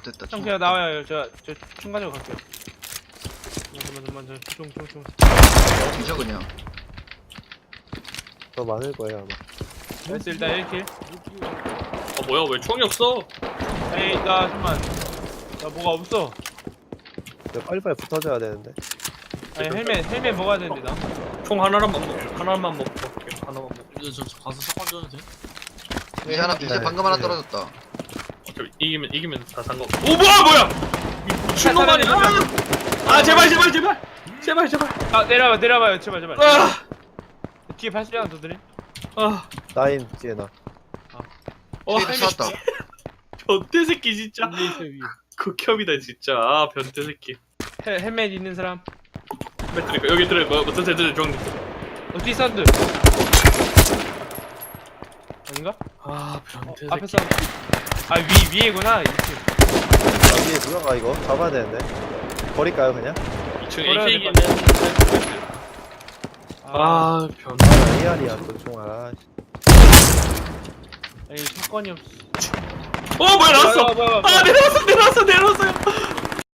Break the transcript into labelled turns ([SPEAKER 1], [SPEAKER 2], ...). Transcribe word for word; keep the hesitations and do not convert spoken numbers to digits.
[SPEAKER 1] 됐다.
[SPEAKER 2] 형 그냥 나와요. 저, 저 충간으로 갈게요. 잠깐만, 잠깐만, 저 총, 총, 총.
[SPEAKER 1] 뒤져 그냥.
[SPEAKER 3] 더 많을 거예요 아마.
[SPEAKER 2] 나이스, 일단 일 킬.
[SPEAKER 4] 아 뭐야 왜 총이 없어?
[SPEAKER 2] 에이, 나 잠깐만. 나 뭐가 없어.
[SPEAKER 3] 근데 빨리빨리 붙어줘야 되는데.
[SPEAKER 2] 아니, 헬멧, 헬멧 먹어야 되는데, 나.
[SPEAKER 4] 총 하나만 먹고 하나만 먹고 갈게. 하나만 먹고.
[SPEAKER 5] 이제 저, 저 가서 샷건 줘도 돼?
[SPEAKER 1] 이제 하나 이제
[SPEAKER 3] 네.
[SPEAKER 1] 방금 하나
[SPEAKER 3] 네.
[SPEAKER 1] 떨어졌다.
[SPEAKER 4] 어차피 이기면 이기면 다 상관없어. 오 뭐야 뭐야! 미친놈 아니야! 아 제발 제발 제발 제발 제발.
[SPEAKER 2] 아, 내려봐, 내려봐요. 제발, 제발.
[SPEAKER 4] 아!
[SPEAKER 2] 뒤에 팔십 장 더 드림.
[SPEAKER 4] 아!
[SPEAKER 3] 나인 뒤에 나.
[SPEAKER 4] 어
[SPEAKER 1] 뒤에도 쐈다.
[SPEAKER 4] 변태 새끼 진짜.
[SPEAKER 2] 레이스 위.
[SPEAKER 4] 극혐이다 진짜. 아 변태 새끼.
[SPEAKER 2] 헬, 헬멧 있는 사람.
[SPEAKER 4] 배터리 여기 들어 뭐 무슨 애들 중.
[SPEAKER 2] 어, 뒤 사운드. 아닌가?
[SPEAKER 4] 아
[SPEAKER 2] 어,
[SPEAKER 4] 변태
[SPEAKER 2] 앞에
[SPEAKER 4] 새끼.
[SPEAKER 2] 사운드. 아, 위, 위에구나. 이 층.
[SPEAKER 3] 나 위에 누가 이거 잡아야 되는데. 버릴까요 그냥?
[SPEAKER 4] 이층
[SPEAKER 2] 버려야
[SPEAKER 4] 에이케이기는.
[SPEAKER 2] 아,
[SPEAKER 4] 아 변태.
[SPEAKER 3] 아 에이알이야 또 총. 아.
[SPEAKER 2] 에이, 사건이 없어.
[SPEAKER 4] 어 뭐야 나왔어.
[SPEAKER 2] 뭐야, 뭐야, 뭐야.
[SPEAKER 4] 아 내려왔어 내려왔어 내려왔어요.